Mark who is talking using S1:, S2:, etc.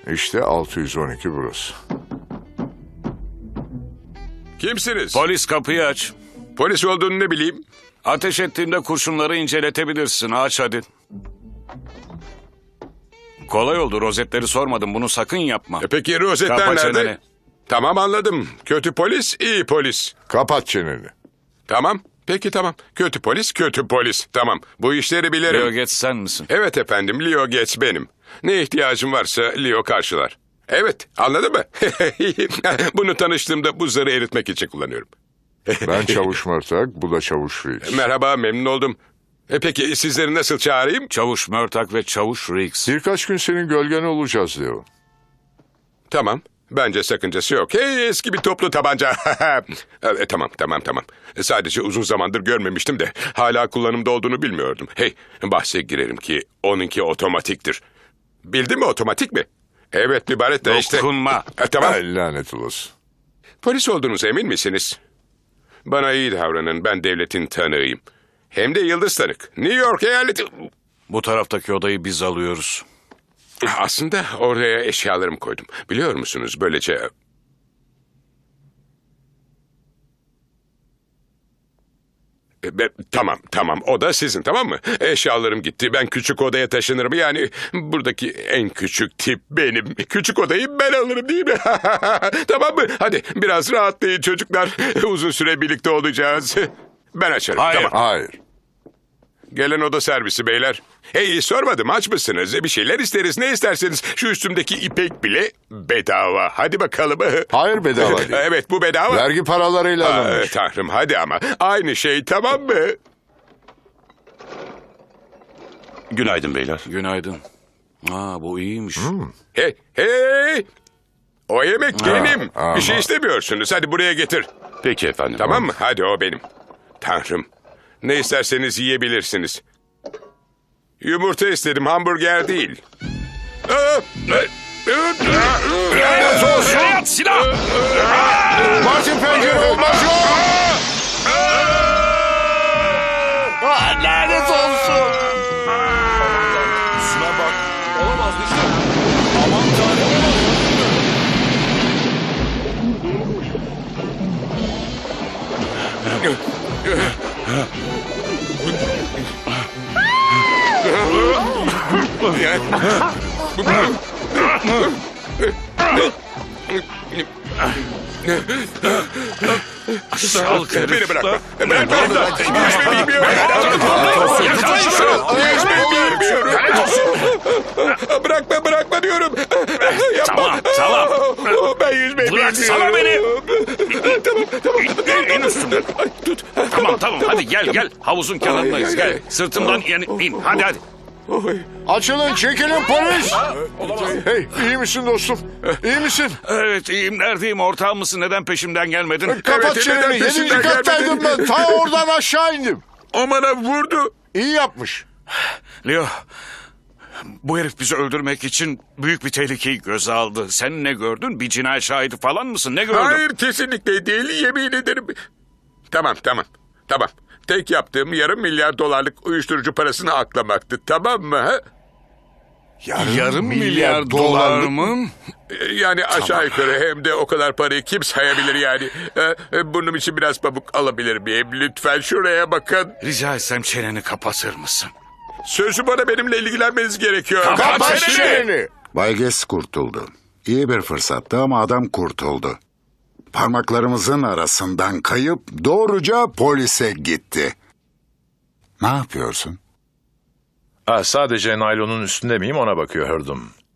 S1: İşte 612 burası.
S2: Kimsiniz?
S3: Polis, kapıyı aç.
S2: Polis olduğunu ne bileyim?
S3: Ateş ettiğimde kurşunları inceletebilirsin. Aç hadi. Kolay oldu. Rozetleri sormadım. Bunu sakın yapma.
S2: Peki rozetler
S3: Kapa
S2: nerede?
S3: çeneni.
S2: Tamam, anladım. Kötü polis, iyi polis.
S1: Kapat çeneni.
S2: Tamam. Peki tamam. Kötü polis, kötü polis. Tamam. Bu işleri bilirim.
S3: Leo geç sen misin?
S2: Evet efendim, Leo Gates benim. Ne ihtiyacım varsa Leo karşılar. Evet, anladın mı? Bunu tanıştığımda buzları eritmek için kullanıyorum.
S1: Ben Çavuş Mörtak, bu da Çavuş Reis.
S2: Merhaba, memnun oldum. Peki sizleri nasıl çağırayım?
S3: Çavuş Mörtak ve Çavuş Riggs.
S1: Birkaç gün senin gölgen olacağız Leo.
S2: Tamam. Bence sakıncası yok. Hey, eski bir toplu tabanca. Tamam. Sadece uzun zamandır görmemiştim de hala kullanımda olduğunu bilmiyordum. Hey, bahse girerim ki onunki otomatiktir. Bildin mi, otomatik mi? Evet, mübarek de işte.
S3: Dokunma.
S2: Tamam.
S1: Ay, lanet olası.
S2: Polis olduğunuza emin misiniz? Bana iyi davranın, ben devletin tanığıyım. Hem de yıldız tanık. New York eyaleti...
S3: Bu taraftaki odayı biz alıyoruz.
S2: Aslında oraya eşyalarımı koydum. Biliyor musunuz, böylece... Tamam, o da sizin, tamam mı? Eşyalarım gitti, ben küçük odaya taşınırım. Yani buradaki en küçük tip benim. Küçük odayı ben alırım, değil mi? Tamam mı? Hadi biraz rahatlayın çocuklar. Uzun süre birlikte olacağız. Ben açarım,
S3: Hayır.
S2: tamam.
S1: Hayır.
S2: Gelen oda servisi beyler. Hey, sormadım, aç mısınız? Bir şeyler isteriz, ne isterseniz. Şu üstümdeki ipek bile bedava. Hadi bakalım.
S1: Hayır, bedava değil.
S2: Evet, bu bedava.
S1: Vergi paralarıyla alınmış.
S2: Tanrım, hadi ama. Aynı şey, tamam mı?
S4: Günaydın beyler.
S3: Günaydın. Bu iyiymiş.
S2: Hey! O yemek benim.
S1: ama.
S2: Bir şey istemiyorsunuz. Hadi buraya getir.
S4: Peki efendim.
S2: Tamam mı? Hadi, o benim. Tanrım. Ne isterseniz yiyebilirsiniz. Yumurta istedim, hamburger değil.
S1: Lanet olsun.
S3: At silah!
S1: Martin pencere olmaz yok. Lanet olsun.
S5: Şuna bak. Olamaz işte. Aman tanrım.
S3: Salk herif.
S2: Beni bırakma. Ben yüzme bilmiyorum.
S3: Yakalayın şunu!
S2: Yüzme bilmiyorum. Bırakma diyorum. Yapma.
S3: Tamam.
S2: Ben yüzmeyi bilmiyorum.
S3: Bıraksana beni.
S2: Tamam.
S3: İn üstümden.
S2: Ay, tut.
S3: Tamam. Hadi gel. Havuzun kenarındayız. Gel. Sırtımdan in. Hadi.
S2: Oy.
S1: Açılın, çekilin polis. Hey, iyi misin dostum? İyi misin?
S3: Evet iyiyim. Neredeyim? Ortağım mısın? Neden peşimden gelmedin?
S1: Kapat
S2: Evet,
S1: çeneni.
S2: neden
S1: 7.
S2: peşinden
S1: kattaydım ben. Ta oradan aşağı indim.
S2: O bana vurdu.
S1: İyi yapmış.
S3: Leo, bu herif bizi öldürmek için büyük bir tehlikeyi göze aldı. Sen ne gördün? Bir cinayet şahidi falan mısın? Ne gördün?
S2: Hayır, kesinlikle değil, yemin ederim. Tamam. Tek yaptığım $500 milyon uyuşturucu parasını aklamaktı, tamam mı? Ha?
S3: Yarım milyar dolar mı?
S2: Yani aşağı yukarı, hem de o kadar parayı kim sayabilir yani? Burnum için biraz pamuk alabilir miyim? Lütfen şuraya bakın.
S3: Rica etsem çeneni kapatır mısın?
S2: Sözü bana benimle ilgilenmeniz gerekiyor.
S1: Kapat çeneni.
S6: Bay Gates kurtuldu. İyi bir fırsattı ama adam kurtuldu. Parmaklarımızın arasından kayıp doğruca polise gitti. Ne yapıyorsun?
S5: Sadece naylonun üstünde miyim ona bakıyordum.